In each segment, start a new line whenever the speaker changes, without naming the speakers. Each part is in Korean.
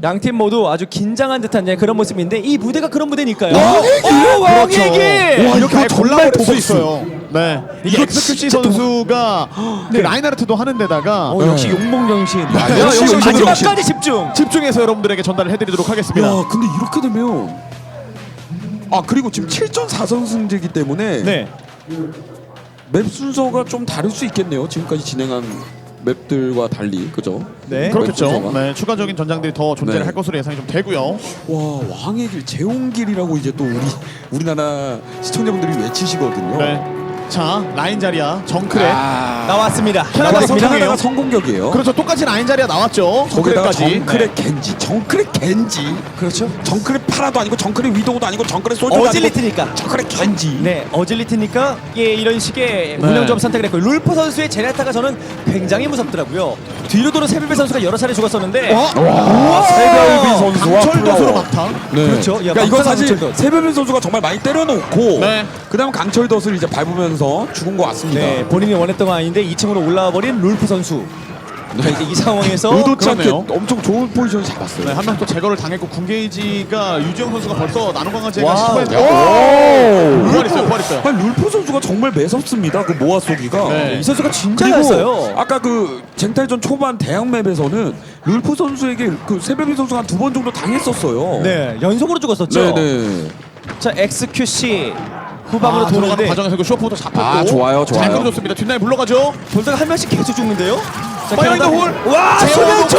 양팀 모두 아주 긴장한 듯한 그런 모습인데 이 무대가 그런 무대니까요.
왕얘기!
와, 이렇게 아예
정말
골라볼 수
복수.
있어요. 네. 이게 엑스큐시 선수가 그 라인하르트도 하는 데다가
역시 용몽정신.
역시
역시
용몽정신.
마지막까지 집중.
집중해서 여러분들에게 전달을 해드리도록 하겠습니다.
야, 근데 이렇게 되면 그리고 지금 7전 4선승제이기 때문에
네.
맵 순서가 좀 다를 수 있겠네요. 지금까지 진행한 맵들과 달리, 그죠?
네.
그렇겠죠.
맵 순서가.
네, 추가적인 전장들이 더 존재를
네.
할 것으로 예상이 좀 되고요.
와, 왕의 길, 제옹길이라고 이제 또 우리나라 시청자분들이 외치시거든요.
네. 자, 라인 자리야. 정크레.
나왔습니다.
캐나다
캐나다가 성공격이에요.
그렇죠. 똑같이 라인 자리야 나왔죠.
거기다가
정크레까지.
정크레
네.
겐지, 정크레 겐지.
그렇죠.
정크레 파라도 아니고 정크레 위도우도 아니고 정크레 솔저도
어질리트니까.
아니고 정크레 겐지.
네, 어질리트니까 이런 식의 운영점 선택을 했고 룰프 선수의 제네타가 저는 굉장히 무섭더라고요. 뒤로 도는 세빌베 선수가 여러 차례 죽었었는데
와, 세별비 선수와
강철도수로
플라워.
막타.
네.
그렇죠. 야,
그러니까 이거
막타가
사실
강철덧.
세별비 선수가 정말 많이 때려놓고
네.
그다음 강철덫을 이제 밟으면서 죽은 것 같습니다.
네, 본인이 원했던 건 아닌데 2층으로 올라와 버린 룰프 선수. 자, 이제 이 상황에서
의도치 않게
그러네요.
엄청 좋은 포지션을 잡았어요.
네, 한 명 또 제거를 당했고 군게이지가 유지영 선수가 벌써 나노 강화제가
와우.
시도했는데 부활했어요. 부활했어요.
아니, 룰프 선수가 정말 매섭습니다. 그 모아 쏘기가.
네.
이 선수가 진짜
그리고
잘했어요.
아까 그 쟁탈전 초반 대항맵에서는 룰프 선수에게 그 세별비 선수가 한 2번 정도 당했었어요.
네, 연속으로 죽었었죠.
네네.
자, XQC 후방으로
들어가는
도는데
과정에서 그 쇼프부터 잡혔고
좋아요,
잘
좋아요.
끌어줬습니다. 뒷라인 물러가죠.
돌다가 한 명씩 계속 죽는데요. 자,
파이어 인더 홀.
와, 소년초.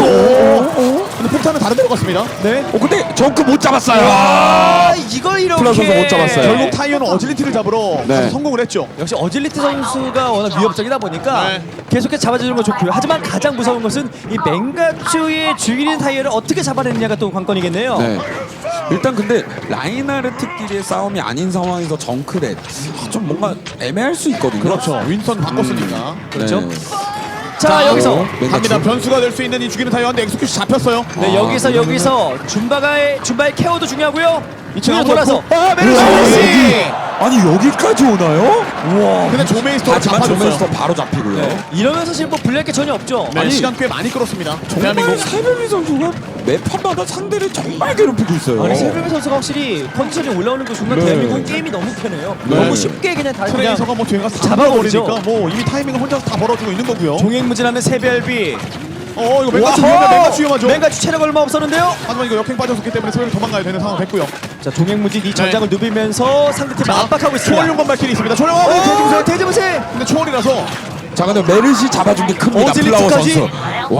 근데 폭탄은 다른 데로 갔습니다.
네.
근데 정크 못 잡았어요.
아, 이걸 이렇게
플라 선수 못 잡았어요.
결국 타이어는 어질리티를 잡으러
네.
가서 성공을 했죠.
역시 어질리트 선수가 워낙 위협적이다 보니까
네.
계속해서 잡아주는 건 좋고요. 하지만 가장 무서운 것은 이 맹가추의 죽이는 타이어를 어떻게 잡아내느냐가 또 관건이겠네요.
네. 일단 근데 라인하르트끼리의 싸움이 아닌 상황에서 정크렛 좀 뭔가 애매할 수 있거든요.
그렇죠. 윈선 바꿨으니까.
그렇죠.
네.
자, 여기서
갑니다. 변수가 될 수 있는 이 죽이는 타이어인데 엑스큐시 잡혔어요.
네, 여기서 줌바의 케어도 중요하고요. 이쪽으로 돌아서
메르시.
아니 여기까지 오나요?
우와.
근데 조메이스터가
하지만
잡아줬어요.
조메스터 바로 잡히고요.
네. 이러면 사실 뭐 불리할 게 전혀 없죠.
네,
아니,
시간 꽤 많이 끌었습니다.
정말
대한민국.
세별비 선수가 매 판마다 상대를 정말 괴롭히고 있어요.
아니 세빌베 선수가 확실히 컨디션이 올라오는 그 순간
네.
대한민국 게임이 너무 편해요.
네.
너무 쉽게 그냥 다 그냥
트레이서가 뭐 뒤에 가서
잡아버리죠.
잡아버리니까 뭐 이미 타이밍을 혼자서 다 벌어주고 있는 거고요.
종횡무진하는 세별비.
이거 맹가추 위험해. 맹가추 위험하죠.
맹가추 체력 얼마 없었는데요.
하지만 이거 역행 빠졌기 때문에 세별이 도망가야 되는 상황 됐고요.
자, 종횡무진 이 전장을 누비면서 상대팀을 압박하고 있습니다.
초월용건 발길이 있습니다. 초월.
대지무새.
근데 초월이라서
자 근데 메르시 잡아준 게 큽니다. 플라워
어질리트까지?
선수.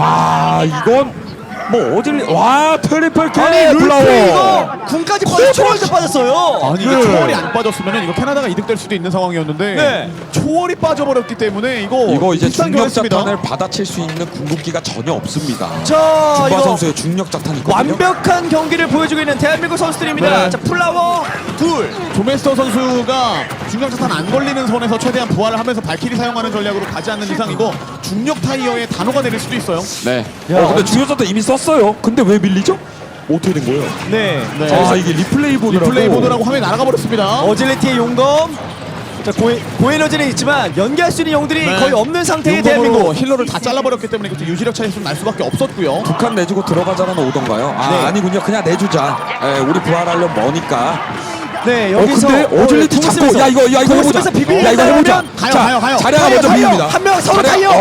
와 이건 뭐 와 트리플 K
아니 룰프
플라워.
이거 군까지 빠져 초월도 빠졌어요.
아니 이거 초월이 안 빠졌으면 이거 캐나다가 이득될 수도 있는 상황이었는데
네.
초월이 빠져버렸기 때문에 이거
이제
비싼
중력
경우였습니다.
자탄을 받아칠 수 있는 궁극기가 전혀 없습니다.
자,
준바
이거
선수의 중력 자탄이 있거든요.
완벽한 경기를 보여주고 있는 대한민국 선수들입니다.
네.
자, 플라워 둘.
조메스터 선수가 중력자탄 안 걸리는 선에서 최대한 부활을 하면서 발키리 사용하는 전략으로 가지 않는 이상 이거 중력 타이어에 단호가 내릴 수도 있어요.
네.
야,
근데 중력 자탄 이미 썼어요. 근데 왜 밀리죠? 어떻게 된 거예요?
네.
네.
아 이게 리플레이 보드라고.
리플레이 보드라고 화면이 날아가 버렸습니다.
어질리티의 용검. 자, 고에너지는 있지만 연기할 수 있는 영들이
네.
거의 없는 상태의
용검으로
대한민국.
힐러를 다 잘라버렸기 때문에 그때 유지력 차이 좀 날 수밖에 없었고요.
두 칸 내주고 들어가자라는 오던가요?
네.
아니군요. 그냥 내주자. 우리 부활하려면 뭐니까.
네, 여기서
근데 어질리티 잡고
공습에서
야 이거 해보자.
공습에서 비비는
야 이거 해보자.
가요.
자리아가 먼저 비웁니다.
한명 서로
자리아-
타이어.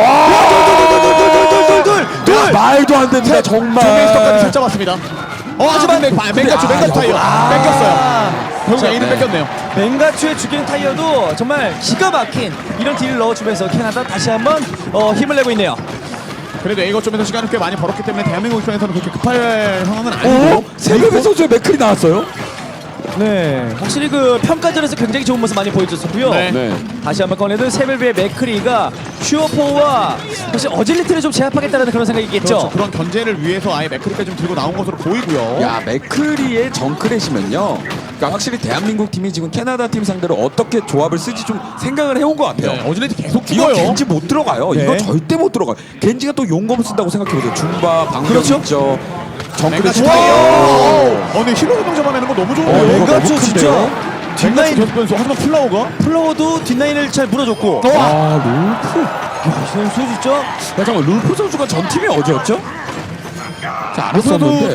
둘.
말도 안 됩니다. 정말.
조메스터까지 살짝 왔습니다. 하지만 맹가추 타이어 뺏겼어요. 결국 A는
네.
뺏겼네요.
맹가추의 죽이는 타이어도 정말 기가 막힌 이런 딜을 넣어주면서 캐나다 다시 한번 힘을 내고 있네요.
그래도 A 거점에서 시간을 꽤 많이 벌었기 때문에 대한민국 입장에서는 그렇게 급할 상황은 아니고
세베베 선수의 맥클이 나왔어요?
네, 확실히 그 평가전에서 굉장히 좋은 모습 많이 보여줬었고요.
네.
다시 한번 꺼내든 세벨베의 맥크리가 슈어포와 사실 어질리티를 좀 제압하겠다는 그런 생각이겠죠.
그렇죠. 그런 견제를 위해서 아예 맥크리까지 좀 들고 나온 것으로 보이고요.
야 맥클리의 정크렛이면요. 그러니까 확실히 대한민국 팀이 지금 캐나다 팀 상대로 어떻게 조합을 쓸지 좀 생각을 해온 것 같아요.
네, 어질리티 계속
이거
죽어요.
겐지 못 들어가요.
네.
이거 절대 못 들어가요. 겐지가 또 용검 쓴다고 생각해보세요. 줌바, 방벽
그렇죠.
있죠. 정크렛
맹가추
타이어.
근데 힐러 운동 잡아내는 거 너무
이거
좋은데요.
맹가추
너무
진짜
큰데요?
뒷라인
계속 변수. 하지만 플라워가
플로어도 뒷라인을 잘 물어줬고.
아 룰프.
이 선수 진짜
야 잠깐 룰프 선수가 전 팀이 어디였죠? 자
루프도
알았었는데.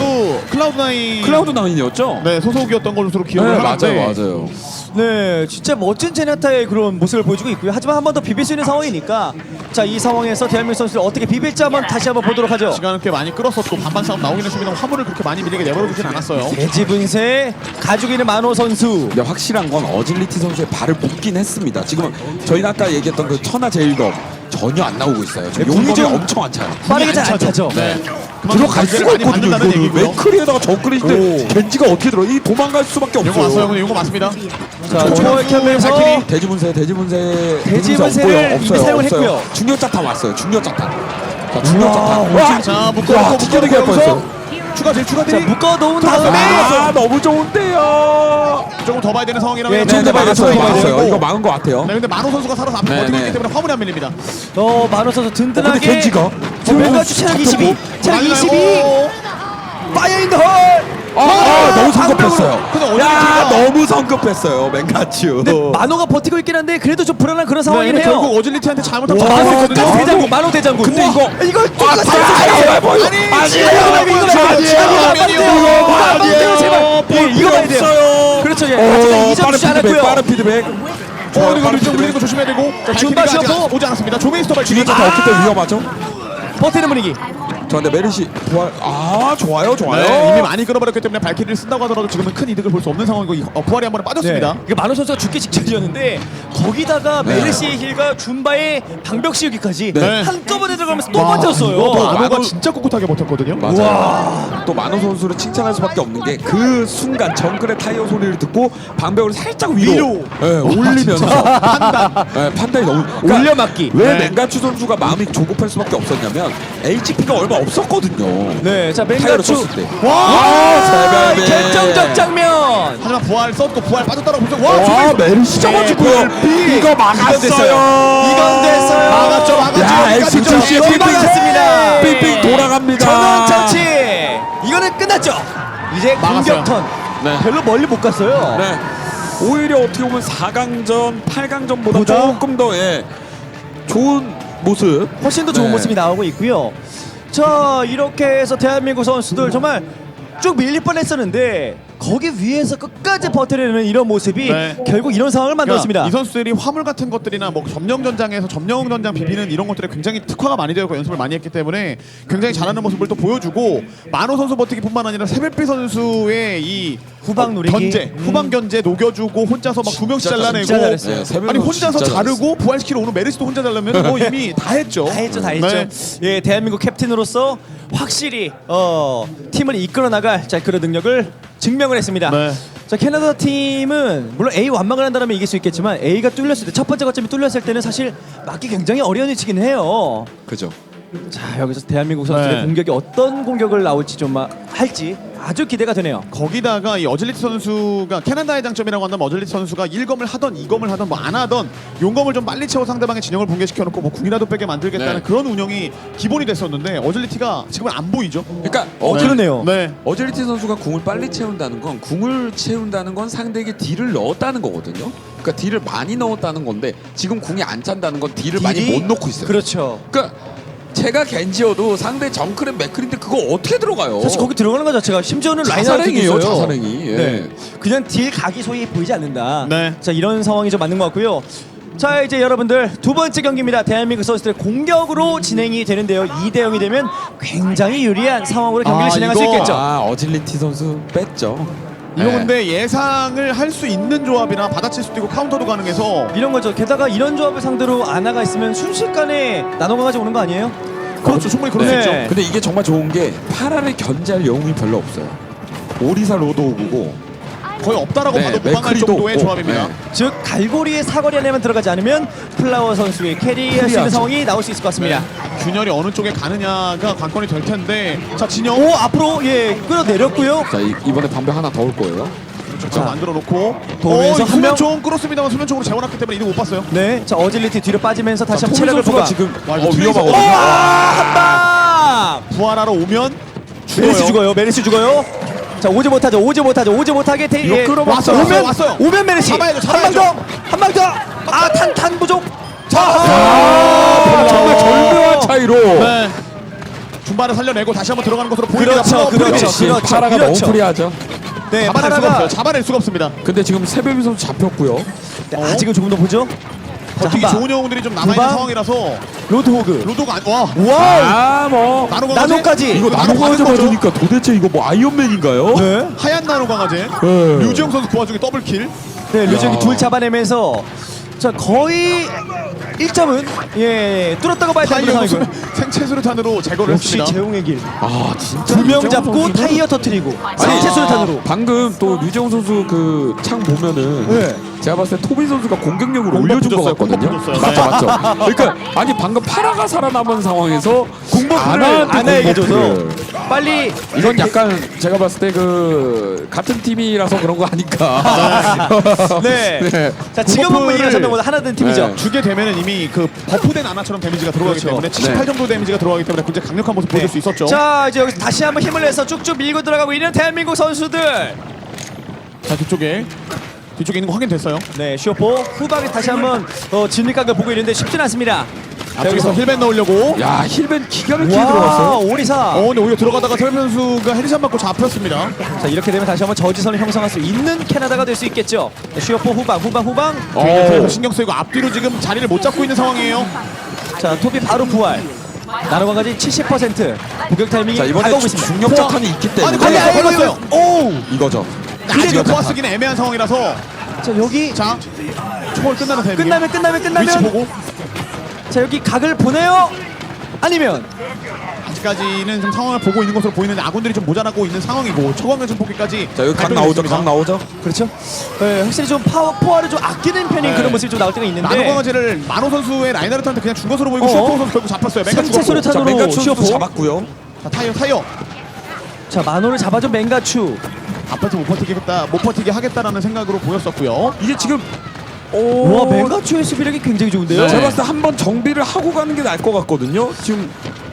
클라우드9이었죠?
네, 소속이었던 것으로 기억을
네,
하는데
맞아요.
네, 진짜 멋진 제나타의 그런 모습을 보여주고 있고요. 하지만 한 번 더 비빌 수 있는 상황이니까 자, 이 상황에서 대한민국 선수들 어떻게 비빌지 다시 한번 보도록 하죠.
시간을 꽤 많이 끌었었고 반반 싸움 나오긴 했습니다. 화물을 그렇게 많이 밀리게 내버려두진 않았어요.
대지분세 가지고 있는 만호 선수.
근데 확실한 건 어질리티 선수의 발을 묶긴 했습니다. 지금 저희가 아까 얘기했던 그 천하 제일검 전혀 안 나오고 있어요. 지금
궁이
용검이
좀
엄청 안 차요.
빠르게 잘 안 차죠.
네.
들어갈 수가
많이
있거든요.
받는다는
이거는
얘기고요.
맥크리에다가 정크리인데 겐지가 어떻게 들어? 이 도망갈 수밖에
이거
없어요.
왔어요, 형님. 이거 맞습니다.
자, 초월 켜면서
발키리.
대지분세
대지분세를
없고요.
이미 사용을 했고요.
중력자탄 왔어요. 중력자탄. 자, 중력자탄.
와,
자, 묶어놓고
튀겨내기 할 뻔했어요.
추가 딜, 추가
자,
딜.
묶어 놓은 다음에
아, 너무 좋은데요.
조금 더 봐야 되는 상황이라면.
네,
네,
좀 더 봐야 돼요,
막았어요.
좀 더 봐야 돼요.
막았어요. 이거 막은 것 같아요.
네, 근데 만호 선수가 살아서 앞에
네,
버티고
네.
있기 때문에 화물이 안 밀립니다.
만호 선수 든든하게.
근데 겐지가?
겐지가 체력 22, 체력 22. 파이어 인 더 홀.
너무 성급했어요.
근데
야,
어질리티가-
너무 성급했어요. 맹가츄.
근데 만호가 버티고 있긴 한데 그래도 좀 불안한 그런
네,
상황이긴
근데
해요.
결국 어질리티한테 잘못하면
와,
잡혔거든요.
끝까지 대장군, 만호 대장군.
근데
우와,
이거-
이걸 이거 봐야 돼요.
없어요.
그렇죠, 예. 아직까지 이점 주지 않았고요.
빠른 피드백.
이거 밀리는 거 조심해야 되고.
준바
발키리가 아직
시어포.
오지 않았습니다. 조메이스터 발키리.
중력자탄 없기 때문에 위험하죠.
버티는 분위기.
저 근데 메르시 부활. 좋아요.
네, 이미 많이 끌어버렸기 때문에 발키리를 쓴다고 하더라도 지금은 큰 이득을 볼 수 없는 상황이고 부활이 한 번에 빠졌습니다.
이게 만호 선수가 죽기 직전이었는데 거기다가
네.
메르시의 힐과 줌바의 방벽 씌우기까지
네.
한꺼번에 들어가면서 또
또
버텼어요.
만호가
만호-
진짜 꿋꿋하게 버텼거든요.
맞아요. 또 만호 선수를 칭찬할 수밖에 없는 게 그 순간 정글의 타이어 소리를 듣고 방벽을 살짝 위로 올리면서 판단이 너무
올려막기.
왜
네.
맹가추 선수가 마음이 조급할 수밖에 없었냐면 HP가 얼마 없었거든요.
네, 자
타이어를
맹가추.
썼을 때.
와,
세배배.
결정적 장면.
하지만 부활 썼고 부활 빠졌다라고 보죠.
와,
조메이스터.
메르시 잡아주고요.
네,
이거 막았어요.
이건 됐어요.
막았죠.
야,
여기까지
진짜
좀
이건 막았습니다.
빙빙 돌아갑니다.
전원장치. 이거는 끝났죠. 이제
막았어요.
공격 턴.
네.
별로 멀리 못 갔어요.
네. 오히려 어떻게 보면 4강전, 8강전보다
보다?
조금 더 좋은 모습.
훨씬 더 좋은
네.
모습이 나오고 있고요. 자, 이렇게 해서 대한민국 선수들 정말 쭉 밀릴 뻔했었는데 거기 위에서 끝까지 버텨내는 이런 모습이
네.
결국 이런 상황을 만들었습니다.
이 선수들이 화물 같은 것들이나 뭐 점령 전장에서 점령 전장 비비는 이런 것들에 굉장히 특화가 많이 되었고 연습을 많이 했기 때문에 굉장히 잘하는 모습을 또 보여주고 만호 선수 버티기뿐만 아니라 세벨피 선수의 이
후방 누리기.
견제, 후방 견제 녹여주고 혼자서 막 두 명씩 잘라내고
진짜 잘했어요.
네, 세벨피
아니 혼자서
진짜
자르고 부활시키러 오는 메르시도 혼자 잘라면 뭐 이미 다 했죠.
다 했죠, 다 했죠.
네.
예, 대한민국 캡틴으로서 확실히 팀을 이끌어 나갈 자 그런 능력을 증명을 했습니다.
네.
자, 캐나다 팀은 물론 A 완막을 한다면 이길 수 있겠지만 A가 뚫렸을 때 첫 번째 거점이 뚫렸을 때는 사실 막기 굉장히 어려운 위치긴 해요.
그죠.
자, 여기서 대한민국 선수들의
네.
공격이 어떤 공격을 나올지 좀 할지 아주 기대가 되네요.
거기다가 이 어질리티 선수가 캐나다의 장점이라고 한다면 어질리티 선수가 1검을 하던 2검을 하던 뭐 안 하던 용검을 좀 빨리 채워 상대방의 진영을 붕괴시켜 놓고 뭐 궁이라도 빼게 만들겠다는
네.
그런 운영이 기본이 됐었는데 어질리티가 지금은 안 보이죠.
그러니까
그러네요.
네.
어질리티 선수가 궁을 빨리 채운다는 건 상대에게 딜을 넣었다는 거거든요. 그러니까 딜을 많이 넣었다는 건데 지금 궁이 안 찬다는 건 딜을 많이
딜이?
못 넣고 있어요.
그렇죠.
그러니까 제가 겐지여도 상대 정크랩 맥크린데 그거 어떻게 들어가요?
사실 거기 들어가는 것 자체가 심지어는
자살행위예요,
라인아웃이 있어요.
자살행위. 예.
네. 그냥 딜 각이 소위 보이지 않는다.
네.
자, 이런 상황이 좀 맞는 것 같고요. 자, 이제 여러분들 두 번째 경기입니다. 대한민국 선수들의 공격으로 진행이 되는데요. 2대0이 되면 굉장히 유리한 상황으로 경기를 진행할 수
이거-
있겠죠.
어질리티 선수 뺐죠.
이거
네.
근데 예상을 할 수 있는 조합이나 받아칠 수도 있고 카운터도 가능해서
이런 거죠. 게다가 이런 조합을 상대로 아나가 있으면 순식간에 나눠가지고 오는 거 아니에요?
그렇죠. 충분히 그럴 수
네.
있죠.
근데 이게 정말 좋은 게 파라를 견제할 영웅이 별로 없어요. 오리사 로드오그고
거의 없다라고 봐도 무방할
맥크리도
정도의
없고,
조합입니다.
네.
즉 갈고리의 사거리 안에만 들어가지 않으면 플라워 선수의 캐리할 수 있는
캐리하죠.
상황이 나올 수 있을 것 같습니다.
균열이 어느 쪽에 가느냐가 관건이 될 텐데 자 진영
오, 앞으로 끌어내렸고요.
자 이번에 방벽 하나 더 올 거예요.
자, 만들어 놓고
도움에서 한 명.
수면총 끌었습니다만 수면총으로 재워놨기 때문에 이득 못 봤어요.
네, 자 어질리티 뒤로 빠지면서 다시 한번
토미
체력을
선수가
부과.
지금
와, 이거
위험하거든요.
한방.
부활하러 오면
메르시 죽어요. 메르시 죽어요. 자, 오지 못하게
이거 끌어봤어요. 왔어요.
오면 메르시.
잡아야죠,
한 방 더. 아, 탄 부족.
정말 절묘한 차이로
네. 중반을 살려내고 다시 한번 들어가는 것으로 보입니다.
그렇죠,
파워
그렇죠.
프리즈.
역시
그렇죠,
파라가
그렇죠.
너무 프리하죠.
네,
잡아낼 수가
파라가
없어요. 잡아낼 수가 없습니다.
근데 지금 세베비 선수 잡혔고요.
네, 아직은 조금 더 보죠. 자,
버티기
한 방.
좋은 영웅들이 좀 남아있는
방.
상황이라서
로드호그.
로도가 와
와우.
뭐
나노까지.
이거 나노 강아지 맞으니까 도대체 이거 뭐 아이언맨인가요?
네.
하얀 나노 강아지.
네.
류지영 선수 그 와중에 더블킬.
네, 류정이
야.
둘 잡아내면서 자 거의 1점은 뚫었다고 봐야 되는
타이어
상황이고요.
생체 수류탄으로 제거를
역시
했습니다.
재웅의 길.
아 진짜
두 명
류정훈
잡고
선수는-
타이어 터트리고
아니,
생체 수류탄으로.
방금 또 류정훈 선수 그 창 보면은
네.
제가 봤을 때 토빈 선수가 공격력을
공법
올려준 것
붙였어요,
같거든요.
공법 붙였어요.
맞죠, 맞죠. 그러니까 아니 방금 파라가 살아남은 상황에서
공법을 아나에게 줘서 빨리
이건 약간 제가 봤을 때 그 같은 팀이라서 그런 거 아닐까.
네.
네.
자 지금은
공법을
분위기가 전보다 하나 된 팀이죠.
네.
주게 되면은 이미 그 버프된 아나처럼 데미지가 들어가기
그렇죠.
때문에 78
네.
정도 데미지가 들어가기 때문에 굉장히 강력한 모습 보여줄 수 있었죠.
자 이제 여기서 다시 한번 힘을 내서 쭉쭉 밀고 들어가고 있는 대한민국 선수들.
자 뒤쪽에 있는 거 확인됐어요.
네 슈퍼 후방에 다시 한번 진입각을 보고 있는데 쉽진 않습니다. 자,
여기서 힐벤 넣으려고.
야 힐벤 기가 막히게
와
들어갔어요.
오리사.
근데 오히려 들어가다가 설현 선수가 헤드샷 맞고 잡혔습니다.
자 이렇게 되면 다시 한번 저지선을 형성할 수 있는 캐나다가 될 수 있겠죠. 슈퍼 후방.
뒤에서 신경 쓰이고 앞뒤로 지금 자리를 못 잡고 있는 상황이에요.
자 토비 바로 부활. 나노광까지 70% 공격 타이밍이
자 이번에
다가오고 있습니다.
중력 자탄이 있기 때문에
걸렸어요.
오.
이거죠.
아직 포화 쓰기는 애매한 상황이라서
자 여기
자 초월 끝나는 타이밍.
끝나면
위치 보고
자 여기 각을 보내요. 아니면
아직까지는 좀 상황을 보고 있는 것으로 보이는데 아군들이 좀 모자라고 있는 상황이고 초강력 전폭기까지
자 여기 각 나오죠. 각 나오죠.
그렇죠. 네, 확실히 좀 포화를 좀 아끼는 편인
네.
그런 모습이 좀 나올 때가 있는데.
나노 강아지를 마노 선수의 라이나르트한테 그냥 준 것으로 보이고
어.
슈퍼 선수 결국 잡혔어요. 맹가
생체
죽었고.
수류탄-
자
탄으로
맹가추도
슈퍼.
잡았고요.
자 타이어
자 마노를 잡아준 맹가추.
아파트 못 버티게 하겠다라는 생각으로 보였었고요.
이게 지금
와 맹가추의 수비력이 굉장히 좋은데요.
네.
제가 봤을 때 한 번 정비를 하고 가는 게 나을 것 같거든요. 지금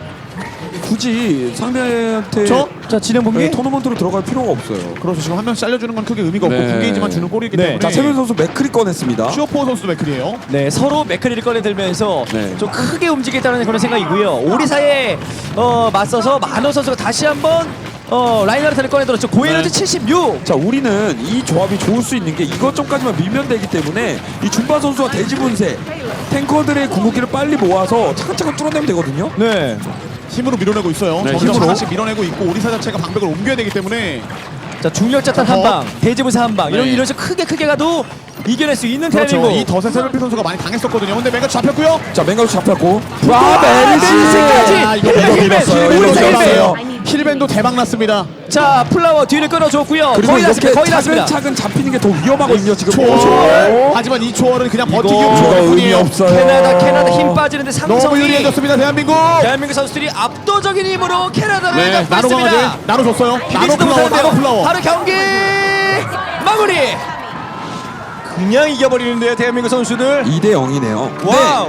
굳이 상대한테
자 진행
네,
본게.
토너먼트로 들어갈 필요가 없어요.
그래서 지금 한 명씩 잘려주는 건 크게 의미가 없고
네.
군게이지만 주는 골이기
네.
때문에
자 세면 선수 맥크리 꺼냈습니다.
슈퍼 선수도 맥클이에요.
네 서로 맥크리를 꺼내들면서
네.
좀 크게 움직이겠다는 그런 생각이고요. 오리사에 맞서서 마노 선수가 다시 한번 라인하르트를 꺼내들었죠. 고에너지
네.
76.
자 우리는 이 조합이 좋을 수 있는 게 이것점까지만 밀면 되기 때문에 이 준바 선수와 대지분쇄 탱커들의 궁극기를 빨리 모아서 차근차근 뚫어내면 되거든요.
네.
힘으로 밀어내고 있어요.
네,
점점
힘으로.
하나씩 밀어내고 있고 오리사 자체가 방벽을 옮겨야 되기 때문에
자 중력자탄 한 방, 대지부사 한 방.
네.
이런 식으로 크게 가도 이겨낼 수 있는
그렇죠.
대한민국.
이 덫에 세벨피 선수가 많이 당했었거든요. 근데 맹가 잡혔고요.
자 맹가도 잡혔고
와, 메르시까지!
아, 이거
힐벤,
밀었어요.
힐벤,
이거
힐벤.
밀었어요. 힐벤도 대박 났습니다.
자 플라워 뒤를 끌어줬고요.
그리고
거의
이렇게
났습니다. 거의 났습니다.
차근차근 잡히는 게 더 위험하거든요 지금.
초월. 하지만 이 초월은 그냥 버티기
이거
초월
의미
뿐이에요.
없어요.
캐나다 힘 빠지는데
너무
삼성이
유리해졌습니다 대한민국.
대한민국 선수들이 압도적인 힘으로 캐나다를
네,
갖고
나노
있습니다.
강아지 나눠줬어요. 나노
비비지도
플라워,
못하는데요.
나노 플라워.
바로 경기 마무리. 그냥 이겨버리는데요 대한민국 선수들.
2대 0이네요.
와우.